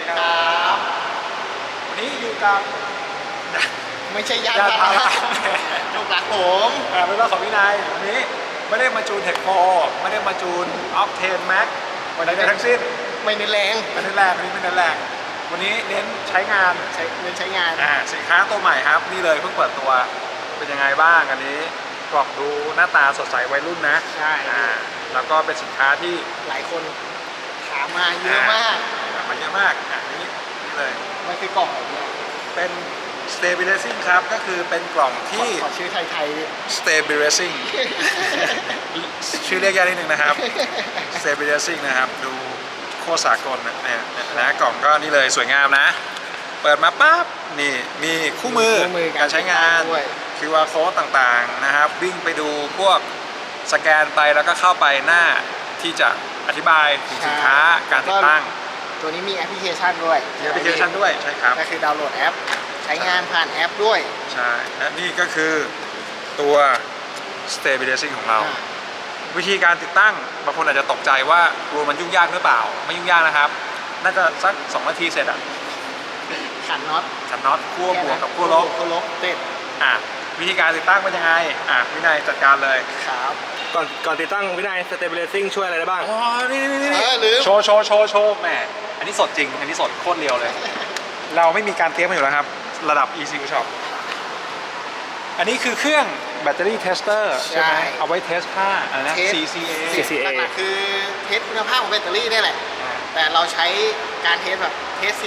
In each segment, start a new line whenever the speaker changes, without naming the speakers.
ครับวันนี้อยู่กับไม่ใช่ญาติพาราลูกหลานผม
เป็นรถของวินัยวันนี้ไม่ได้มาจูนเทคโ ไม่ได้มาจูนออฟเทนแม็กวันนี้ทั้งสิ้น
ไม่เน้นแรง
ไม่เน้นแรงวันนี้ไม่เน้นแรงวันนี้เน้นใช้งาน
เน้นใช้งาน
สินค้าตัวใหม่ครับนี่เลยเพิ่งเปิดตัวเป็นยังไงบ้างอันนี้กล่องดูหน้าตาสดใสวัยรุ่นนะ
ใช่
แล้วก็เป็นสินค้าที่
หลายคนถามมาเยอะมาก
เยอะมากนี่เลย
มันคือกล่องอะไรเนี่ย
เป็น stabilizing ครับก็คือเป็นกล่องที่
ขอชื่อไทย
ๆ stabilizing ชื่อเรียกยากนิดนึงนะครับ stabilizing นะครับดูโคตรสากลนะกล่องก็นี่เลยสวยงามนะเปิดมาปั๊บนี่มีคู่มือการใช้งาน QR code ต่างๆนะครับวิ่งไปดูพวกสแกนไปแล้วก็เข้าไปหน้าที่จะอธิบายถึงสินค้าการติดตั้ง
ตัวนี้มีแอปพลิเคชันด้วย
ใช่ครับ
ก็คือดาวน์โหลดแอปใช้งานผ่านแอปด้วย
ใช่และนี่ก็คือตัว stabilizing ของเราวิธีการติดตั้งบางคนอาจจะตกใจว่ากลัวมันยุ่งยากหรือเปล่าไม่ยุ่งยากนะครับน่าจะสัก2 นาทีเสร็จ
ขันน็อต
ขั้วบวกกับขั้วลบ
เสร็จ
วิธีการติดตั้งเป็นยังไงวินัยจัดการเลย
ครับ
ก่อนติดตั้งวินัย stabilizing ช่วยอะไรได้บ้าง
อ๋อนี่โชว์แหมอันนี้สดจริงอันนี้สดโคตรเรียวเลยเราไม่มีการเทสมาอยู่แล้วครับระดับ ECU Shop อันนี้คือเครื่องแบตเตอรี่เทสเตอร์ใช่ไหมเอาไว้เทสค่าอะไรนะ
CCA หลักๆคือเทสคุณภาพของแบตเตอรี่นี่แหละแต่เราใช้การเทสแบบเทส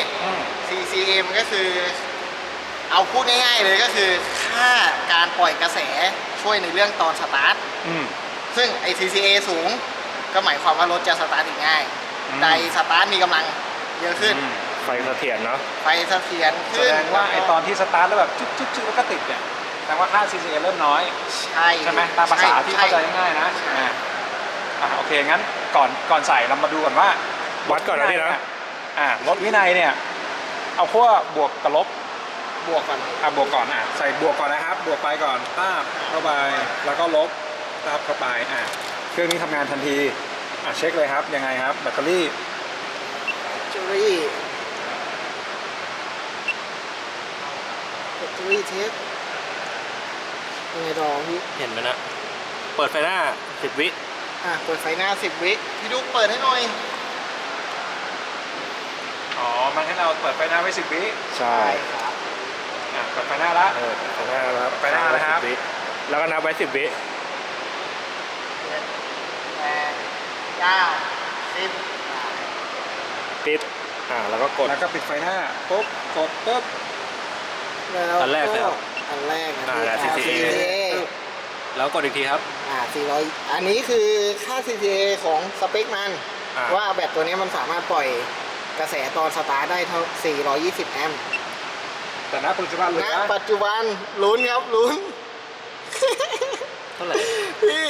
CCA มันก็คือเอาพูดง่ายๆเลยก็คือค่าการปล่อยกระแสช่วยในเรื่องตอนสตาร์ทซึ่งไอ CCA สูงก็หมายความว่ารถจะสตาร์ทง่ายไดสตาร์ทมีกำลังเยอะขึ้น
ไฟเสถียรเนาะ
ไฟเสถียร
แสดงว่าไอตอนที่สตาร์ทแล้วแบบจุ๊บแล้วก็ติดเนี่ยแสดงว่าค่า CCA เริ่มน้อยใช่ไหมตามภาษาที่เข้าใจง่ายๆนะโอเคงั้นก่อนใส่เรามาดูก่อนว่า
วัดก่อนนะพี่นะ
รถวินัยเนี่ยเอาขั้วบวกกับลบบวกก่อนบวกก่อนใส่บวกก่อนนะครับบวกไปก่อนตาบเข้าไปแล้วก็ลบตาบเข้าไปเครื่องนี้ทำงานทันทีเช็คเลยครับยังไงครับแบตเตอรี่
เทสยังไงต่อพี่
เห็นไหมนะเปิดไฟหน้า10 วิ
เปิดไฟหน้า10 วิพี่ดุ๊กเปิดให้หน่อย
มันให้เราเปิดไฟหน้าไว้10 วิ
ใช่
ครับ
เปิดไฟหน้าละ
ไฟหน้าแล้ว
ไฟหน้าแล้วครับ
แล้วก็นับไว้10 วิ
8 9 10
ปิดแล้วก็กด
แล้วก็ปิดไฟหน้าปุ๊บกดปุ๊บ
อันแรกแล้ว
อันแรก
CCA แล้วกดอีกทีครับ
400อันนี้คือค่า CCA ของสเปคมันว่าแบตตัวนี้มันสามารถปล่อยกระแสตอนสตาร์ทได้เท่า420 แอมป์
แต่ณปัจจุบันเลย
นะปัจจุบันลุ้นครับลุ้น
เท่าไหร่
พี่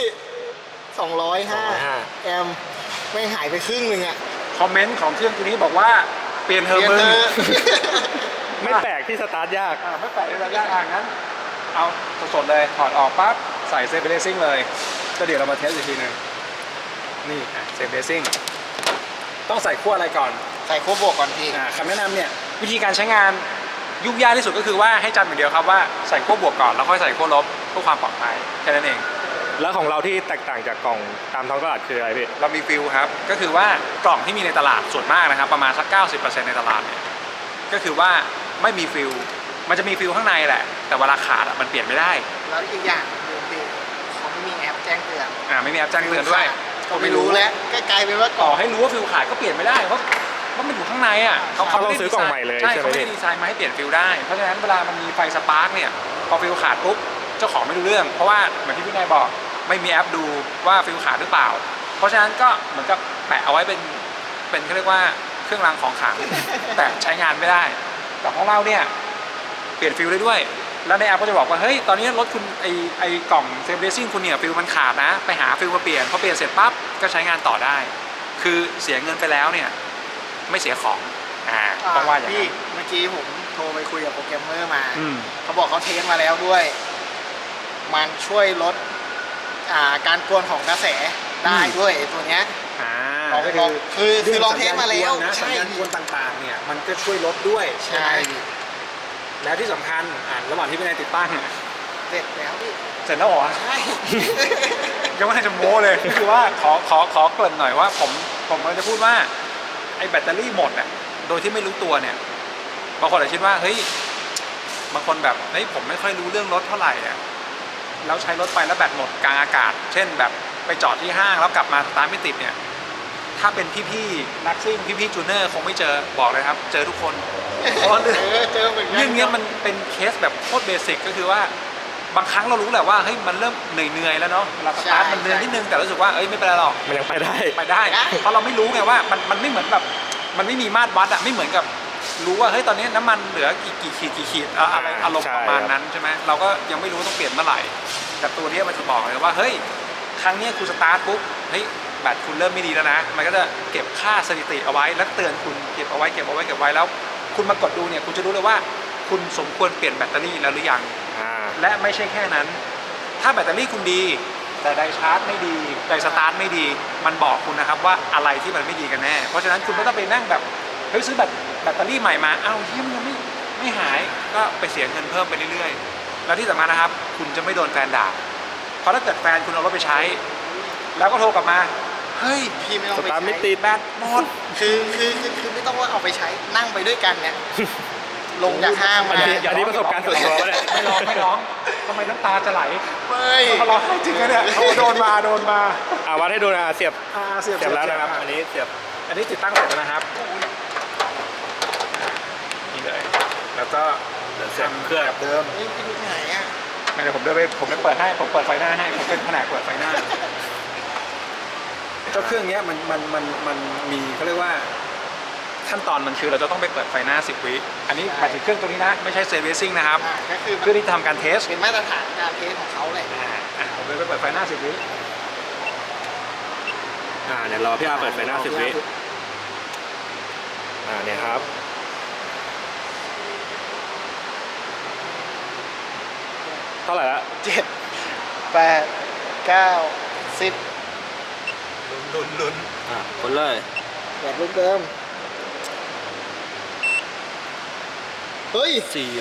205 แอมป์ไม่หายไปครึ่งหนึ่ง
คอมเมนต์ของเครื่องตัวนี้บอกว่าเปลี่ยนเธอมึง
ไม่แปลกที่สตาร์ทยาก
ไม่แปลกที่สตาร์ทยากงั้นเอาสดๆเลยถอดออกปั๊บใส่เซฟเบรซิ่งเลยก็เดี๋ยวเรามาเทสอีกทีนึงนี่เซฟเบรซิ่งต้องใส่ขั้วอะไรก่อน
ใส่ขั้วบวกก่อนพี่
คำแนะนำเนี่ยวิธีการใช้งานยุ่งยากที่สุดก็คือว่าให้จำอย่างเดียวครับว่าใส่ขั้วบวกก่อนแล้วค่อยใส่ขั้วลบเพื่อความปลอดภัยแค่นั้นเอง
แล้วของเราที่แตกต่างจากกล่องตามท้องตลาดคืออะไรพี่
เรามีฟิลครับก็คือว่ากล่องที่มีในตลาดส่วนมากนะครับประมาณสัก 90% ในตลาดเนี่ยก็คือว่าไม่มีฟิลมันจะมีฟิลข้างในแหละแต่เวลาขาดมันเปลี่ยนไม่ได้
แล้วอีกอย่างคือเขาไม่มีแอปแจ้งเตือน
ไม่มีแอปแจ้งเตือนด้วย
ก็ไม่รู้แล้วก็กลายเป็นว่า
ต่อให้รู้ว่าฟิลขาดก็เปลี่ยนไม่ได้เพราะมันอยู่ข้างใน
เขาต้องซื้อกล่องใหม่เลย
ใช่เขาไม่ได้ดีไซน์มาให้เปลี่ยนฟิลได้เพราะฉะนั้นเวลามันมีไฟสปาร์กเนี่ยพอฟิลขาดปุ๊บเจ้าของไม่รู้เรื่องเพราะว่าเหมือนที่พี่นายบอกไม่มีแอปดูว่าฟิลขาดหรือเปล่าเพราะฉะนั้นก็เหมือนกับแปะเอาไว้เป็นเขาเรียกว่าเครื่องรางของขลังแต่ใช้งานไม่ได้แต่ของเราเนี่ยเปลี่ยนฟิลได้ด้วยแล้วในแอปก็จะบอกว่าเฮ้ยตอนนี้รถคุณไอกล่องเซฟเรซิ่งคุณเนี่ยฟิลมันขาดนะไปหาฟิลมาเปลี่ยนพอเปลี่ยนเสร็จปั๊บก็ใช้งานต่อได้คือเสียเงินไปแล้วเนี่ยไม่เสียของต้องว่าอย่าง
นี้เมื่อกี้ผมโทรไปคุยกับโปรแกรมเมอร์มาเขาบอกเขาเทสมาแล้วด้วยมันช่วยลดการกวนของกระแสได้ด้วยตัวเนี้ยลองไปลองคือลองเทสมาแล้ว
นะสัญญาณกวนต่างๆเนี่ยมันก็ช่วยลดด้วย
ใช่
แล้วที่สำคัญระหว่างที่พี่นายติดตั้ง
เสร็จแล้วพี่
เสร็จแล้วเหรอ
ใช่
ยังไม่ทันจะโม้เลยคือว่าขอเกริ่นหน่อยว่าผมกำลังจะพูดว่าไอ้แบตเตอรี่หมดอ่ะโดยที่ไม่รู้ตัวเนี่ยบางคนอาจจะคิดว่าเฮ้ยบางคนแบบเฮ้ยผมไม่ค่อยรู้เรื่องรถเท่าไหร่อ่ะแล้วใช้รถไปแล้วแบตหมดกลางอากาศ เช่นแบบไปจอดที่ห้างแล้วกลับมาสตาร์ทไม่ติดเนี่ยถ้าเป็นพี่ๆนักซิ่งพี่ๆจูเนอร์คงไม่เจอบอกเลยครับเจอทุกคนเพราะว่าเรื่อง
เจอเหมือนกัน
เรื่องนี้มันเป็นเคสแบบโคตรเบสิกก็คือว่าบางครั้งเรารู้แหละว่าเฮ้ยมันเริ่มเหนื่อยแล้วเนาะเวลาสตาร์ทมันเหนื่อยนิดนึงแต่รู้สึกว่าเอ้ยไม่เป็นไรหรอก
มันยังไปได้
ไปได้เพราะเราไม่รู้ไงว่ามันไม่เหมือนแบบมันไม่มีมาตรวัดอะไม่เหมือนกับรู้ว่าเฮ้ยตอนนี้น้ำมันเหลือกี่ขีดอะไรอารมณ์
ใช่
ประมาณนั้นใช่ไหมเราก็ยังไม่รู้ต้องเปลี่ยนเมื่อไหร่แต่ตัวนี้มันจะบอกเลยว่าเฮ้ยครั้งนี้คุณสตาร์ทปุ๊บเฮ้ยแบตคุณเริ่มไม่ดีแล้วนะมันก็จะเก็บค่าสถิติเอาไว้แล้วเตือนคุณเก็บเอาไว้แล้วคุณมากดดูเนี่ยคุณจะรู้เลยว่าคุณสมควรเปลี่ยนแบตเตอรี่แล้วหรือยังและไม่ใช่แค่นั้นถ้าแบตเตอรี่คุณดีแต่ไดชาร์จไม่ดีไดสตาร์ทไม่ดีมันบอกคุณนะครับว่าอะไรที่มันไม่ดีกันแน่เพราะฉะนั้นคุณไม่ต้องไปนั่งแบบเฮ้ยซื้อแบตเตอรี่ใหม่มาเอ้าที่มันยังไม่หายก็ไปเสียเงินเพิ่มไปเรื่อยๆแล้วที่สำคัญนะครับคุณจะไม่โดนแฟนด่าเพราะถ้าเกิดแฟนคุณเอารถไปใช้แล้วก็โทรกลับมาเฮ้ย
พี่ไม่ต้อง
ส
ไป
ตาร์ท
ใช้
ไม่ติด
แบตหมด
คือไม่ต้องว่าเอาไปใช้นั่งไปด้วยกันเนี่ยลงจากห้างมา
อันนี้ประสบการณ์ส่วนตัวปะเนี่ย
ไม่ร้องทำไมน้ำตาจะไหล
ไม่
เขาร้องไห้จริงนะเนี่ยเขาโดนมา
วัดให้ดูนะเสียบ
เสียบ
แล้วนะครับ อันนี้เสียบ
อันนี้ติดตั้งเสร็จแล้วนะครับนี่เลยแล้วก็
เสียบเครื่อง
แบบเดิม
นี่พี่ดูไหนอ่ะ
ไม่เดี๋ยวผมเดินไปผมเปิดให้ผมเปิดไฟหน้าให้ผมเป็นแผนกเปิดไฟหน้าเจ้าเครื่องเนี้ยมันมีเขาเรียกว่าขั้นตอนมันคือเราจะต้องไปเปิดไฟหน้า10 วิอันนี้หมายถึงเครื่องตัวนี้นะไม่ใช่เซร์วิสซิ่งนะครับ
ก็คือ
เพื่อที่จะทำการเทส
เป็นมาตรฐานการเทสของเขาแหละ
ผมเลยไปเปิดไฟหน้า10 วิ
เดี๋ยวรอพี่อาเปิดไฟหน้า10 วิเนี่ยครับเท่าไหร่ละ
7 8 9 10
ลุ้น
คนเลย
แบบรูปเดิมเฮ้ย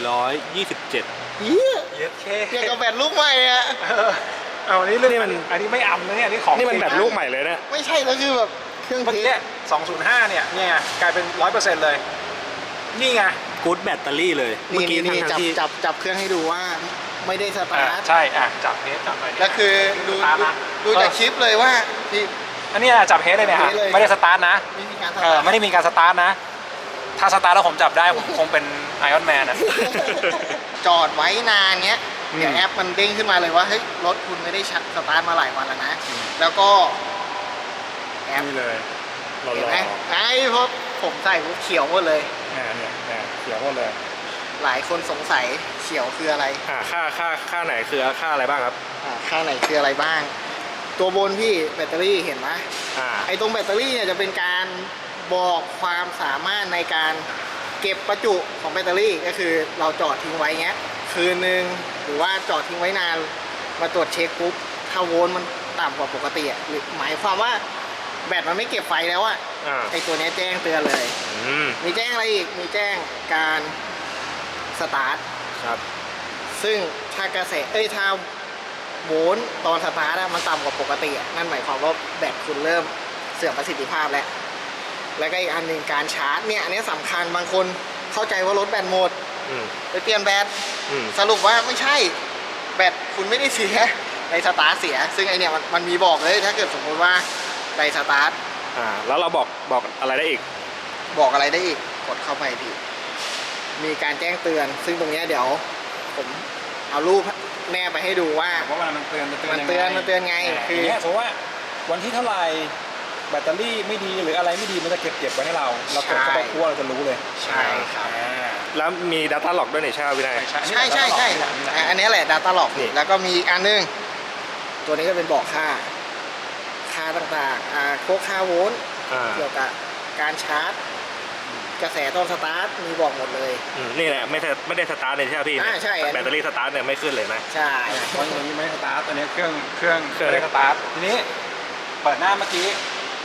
427
เหี้ย
เย็ดเค
เทียบกับแบบลูกใหม่อ่ะ
เอาอันนี้เรื่องอันนี้ไม่อำนะเนี่ยอันนี้ของ
นี่มัน
จริง
แบตลูกใหม่เลยเนี่ย
ไม่ใช่แล้วคือแบบเครื่อง
เมื่อ
เท
กี้
ส
205เนี่ยกลายเป็น 100% เลยนี่ไง
กู๊ดแบตเตอรี่เลย เมื่อกี้
นี่
ทั้งที่
จับเครื่องให้ดูว่าไม่ได้สตาร์ท
ใช่จับเฮดจับอะไร
แล้วคือดูจากคลิปเลยว่าพี่
อันนี้จับเฮดเลยเนี่ย
เฮดเลย
ไม่ได้สตาร์ทนะ
ไม่มีการสตาร์ท
ไม่ได้มีการสตาร์ทนะถ้าสตาร์ทแล้วผมจับได้ผมคงเป็นไอออนแมนอ่ะ
จอดไว้นานเงี้ย
อืม
เดี๋ยวแอปมันเด้งขึ้นมาเลยว่าเฮ้ยรถคุณไม่ได้สตาร์ทมาหลายวันแล้วนะ แล้วก็แอป
นี่เลยรอ
เห็นไหมไอ้เพราะผมใส่ปุ๊บเขียวหมดเลย
เนี่ยเขียวหมดเลย
หลายคนสงสัยเขียวคืออะไร
ค่าไหนคือค่าอะไรบ้างครับ
ข้างไหนคืออะไรบ้าง ตัวบนพี่แบตเตอรี่เห็นไหม
อ่า
ไอ้ตรงแบตเตอรี่เนี่ยจะเป็นการบอกความสามารถในการเก็บประจุของแบตเตอรี่ก็คือเราจอดทิ้งไว้เงี้ยคืนนึงหรือว่าจอดทิ้งไว้นานมาตรวจเช็คปุ๊บถ้าโวลต์มันต่ำกว่าปกติอ่ะหรือหมายความว่าแบตมันไม่เก็บไฟแล้วอ่ะ ไอ้ตัวเนี้ยแจ้งเตือนเลย มีแจ้งอะไรอีกมีแจ้งการสตาร์ท
ครับ
ซึ่งถ้ากระแสถ้าโวลต์ตอนสตาร์ทอะมันต่ำกว่าปกติอะนั่นหมายความว่าแบตคุณเริ่มเสื่อมประสิทธิภาพแล้วแล้วก็อีกอันหนึ่งการชาร์จเนี่ยอันนี้สำคัญบางคนเข้าใจว่ารถแบตหมด
อืม
ไปเปลี่ยนแบต
อืม
สรุปว่าไม่ใช่แบตคุณไม่ได้เสียในสตาร์ทเสีย ซึ่งไอเนี่ยมันมีบอกเลยถ้าเกิดสมมติว่าในสตาร์ท
แล้วเราบอกอะไรได้อีก
บอกอะไรได้อีกกดเข้าไปดีมีการแจ้งเตือน ซึ่งตรงเนี้ยเดี๋ยวผมเอารูปแนบไปให้ดูว่า
เพราะว่ามันเตือน
มันเตือนไงคือ
เนี่ยสมมติว่าวันที่เท่าไหร่แบตเตอรี่ไม่ดีหรืออะไรไม่ดีมันจะเก็บไว้ให้เรากดเข้าไปคั่วเราจะรู้เลย
ใช่ครับ
แล้วมี Data Log ด้วยนี่ใช่ไหมวินัย
ใช่อันนี้แหละ Data Log
นี่
แล้วก็มีอีกอันนึง ตัวนี้ก็เป็นบอกค่าต่างๆพวกค่าโวลต์เกี่ยวกับการชาร์จ กระแสตอนสตาร์ทมีบอกหมดเลย
นี่แหละไม่ได้สตาร์ทเลยใช่ไหมพี่
ใช่
แบตเตอรี่สตาร์ทเนี่ยไม่ขึ้นเลยนะ
ใช่
วันนี้ไม่สตาร์ทตอนนี้เครื่องไม่ได้สตาร์ททีนี้เปิดหน้าเมื่อกี้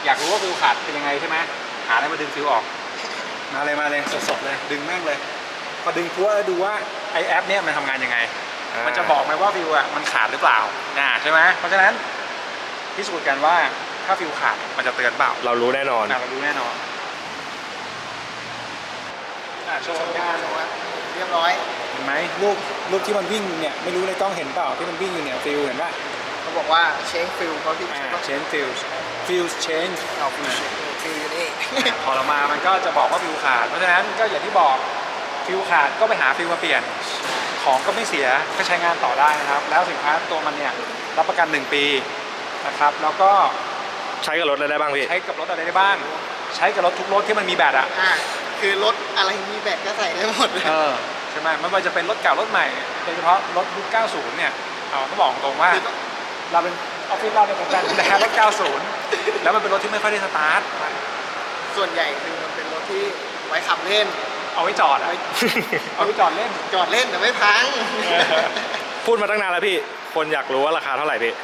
อยากรู้ว่าฟิวขาดเป็นยังไงใช่ไหมหาอะไรมาดึงฟิวออกมาเลยสดๆเลยดึงแม่งเลยพอดึงทั่วแล้วดูว่าไอแอปเนี่ยมันทำงานยังไงมันจะบอกไหมว่าฟิวอ่ะมันขาดหรือเปล่าใช่ไหมเพราะฉะนั้นพิสูจน์กันว่าถ้าฟิวขาดมันจะเตือนเปล่า
เรารู้แน่นอน
เรารู้แน่นอนโชว์สัญญาณ
เรียบร้อย
เห็นไหมรูปที่มันวิ่งเนี่ยไม่รู้ในกล้องเห็นเปล่าที่มันวิ่งอยู่เนี่ยฟิลเห็นป่ะ
เขาบอกว่าเชงฟิลเขาที่
change field change
เอาฟิลอยู่นี่
พอเรามามันก็จะบอกว่าฟิวขาดเพราะฉะนั้นก็อย่างที่บอกฟิวขาดก็ไปหาฟิวมาเปลี่ยนของก็ไม่เสียก็ใช้งานต่อได้นะครับแล้วสินค้าตัวมันเนี่ยรับประกัน1 ปีนะครับแล้วก็
ใช้กับรถอะไรได้บ้างพี่
ใช้กับรถอะไรได้บ้างใช้กับรถทุกรถที่มันมีแบตอ่ะ
คือรถอะไรมีแบตก็ใส่ได้หมดเลย
ใช่ไหมไม่ว่าจะเป็นรถเก่ารถใหม่โดยเฉพาะรถยุค 90 เนี่ยต้องบอกตรงว่าเราเป็นออฟฟิศเราเนี่ยเหมือนกันนะรถ 90 แล้วมันเป็นรถที่ไม่ค่อยได้สตาร์ท
ส่วนใหญ่คือมันเป็นรถที่ไว้ขับเล่น
เอาไว้จอดเอาไว้จอดเล่น
จอดเล่นแต่ไม่พัง
พูดมาตั้งนานแล้วพี่ คนอยากรู้ว่าราคาเท่าไหร่พี่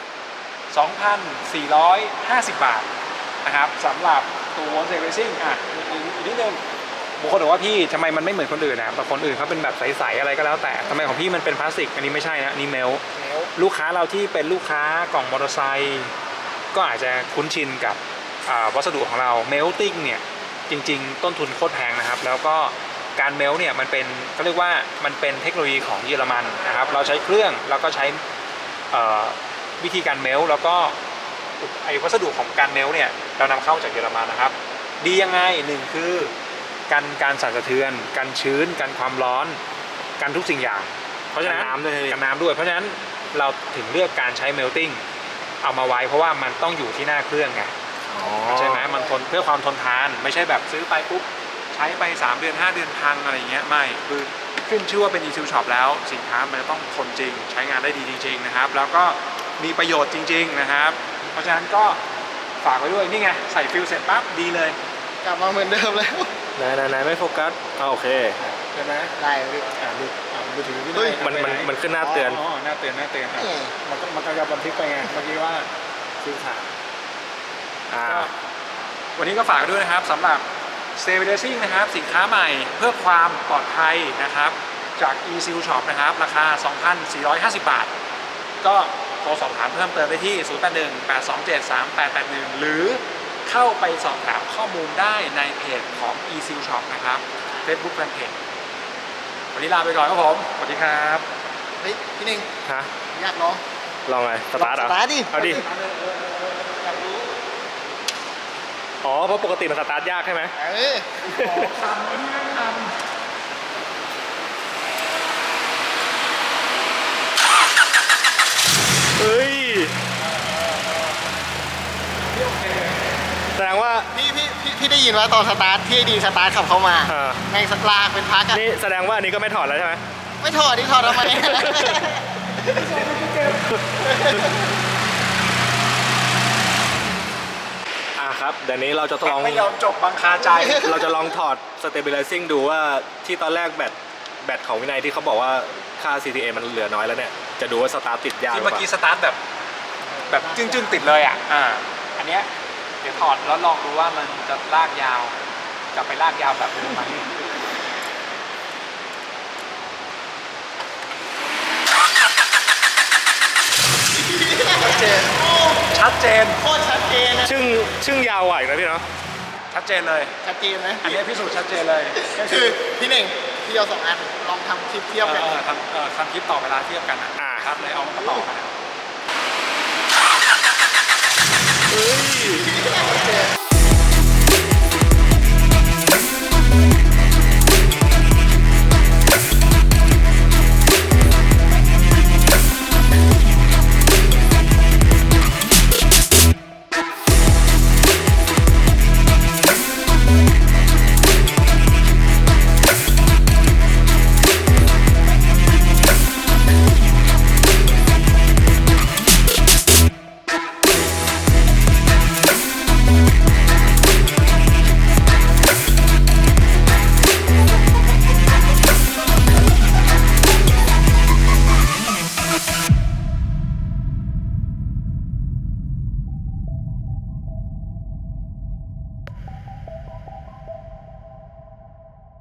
2,450 บาทนะครับสำหรับตัว Wonse Racing อีกนิดนึงบางคนบอกว่าพี่ทำไมมันไม่เหมือนคนอื่นนะแต่คนอื่นเขาเป็นแบบใสๆอะไรก็แล้วแต่ทำไมของพี่มันเป็นพลาสติกอันนี้ไม่ใช่นะอันนี้เมลลูกค้าเราที่เป็นลูกค้ากล่องมอเตอร์ไซค์ก็อาจจะคุ้นชินกับวัสดุของเราเมลติ้งเนี่ยจริงๆต้นทุนโคตรแพงนะครับแล้วก็การเมลเนี่ยมันเป็นเขาเรียกว่ามันเป็นเทคโนโลยีของเยอรมันนะครับเราใช้เครื่องแล้วก็ใช้วิธีการเมลแล้วก็ไอวัสดุของการเมลเนี่ยเรานำเข้าจากเยอรมันนะครับดียังไงหนึ่งคือการสั่นสะเทือนการชื้นการความร้อนการทุกสิ่งอย่างเพราะฉะนั้นกันน้ำด้วยเพราะฉะนั้นเราถึงเลือกการใช้เมลติ้งเอามาไว้เพราะว่ามันต้องอยู่ที่หน้าเครื่องไงใช่ไหมมันทนเพื่อความทนทานไม่ใช่แบบซื้อไปปุ๊บใช้ไป3 เดือน 5 เดือนพังอะไรอย่างเงี้ยไม่คือขึ้นชื่อว่าเป็น e-seal shop แล้วสินค้ามันจะต้องทนจริงใช้งานได้ดีจริงๆนะครับแล้วก็มีประโยชน์จริงๆนะครับเพราะฉะนั้นก็ฝากไว้ด้วยนี่ไงใส่ฟิลเสร็จปั๊บดีเลย
กลับมาเหมือนเดิมแล้ว
ไหนไม่โฟกัสโอเค
ใช่ไหม
ได้พี่
มือถือพี่
มันขึ้นหน้าเตือน
หน้าเตือนมันก็จะบันทึกไปไงเมื่อกี้ว่าฟิลขาดวันนี้ก็ฝากด้วยนะครับสำหรับ Stay Racing นะครับสินค้าใหม่เพื่อความปลอดภัยนะครับจาก e-seal shop นะครับราคา 2,450 บาทก็โทรสอบถามเพิ่มเติมได้ที่ 081-827-3881 หรือเข้าไปสอบถามข้อมูลได้ในเพจของ e-seal shop นะครับ Facebook Fanpage วันนี้ลาไปก่อนครับผมสวัสดีครับ
เฮ้ยพี่หนึ่ง
ฮะ
อยากลอง
ลองไงสตาร์ท
สตาร์ทดิ
เอาดิอ๋อเพราะปกติมันสตาร์ทยากใช่ไหม
ทำอันนี้ไม่ทำ
เฮ้ยแสดงว่า
พี่ได้ยินว่าตอนสตาร์ทที่ดีสตาร์ทขับเข้ามา
อ่า
แม่งสลากเป็นพักอะ
นี่แสดงว่าอันนี้ก็ไม่ถอดแล้วใช่ไหม
ไม่ถอดดิถอดทำไม
ครับเดี๋ยวนี้เราจะลอง
ไม่ยอมจบบังคาใจ
เราจะลองถอด stabilizing ดูว่าที่ตอนแรกแบตของวินัยที่เขาบอกว่าค่า CTA มันเหลือน้อยแล้วเนี่ยจะดูว่าสตาร์ทติดยากหรื
ที่
อ
เมื่อ
เปล่า
กี้สตาร์ทแบบจึ้งๆติดเลยอ่ะอันเนี้ยเดี๋ยวถอดแล้วลองดูว่ามันจะลากยาวกลับไปลากยาวแบบเดิมไหมชัดเจน
โคตรชัดเจนนะ
ชึ่งยาวไหวนะพี่เนาะ
ชัดเจนเลย
ชัดเจนนะ
อันนี้พิสูจน์ชัดเจนเลยก็
คือพี่หนึ่งพี่เอา2 อันลองทำคลิปเทียบกัน
ทำคลิปต่อเวลาเทียบกันครับเลยเอามาต่อกัน
เฮ้ย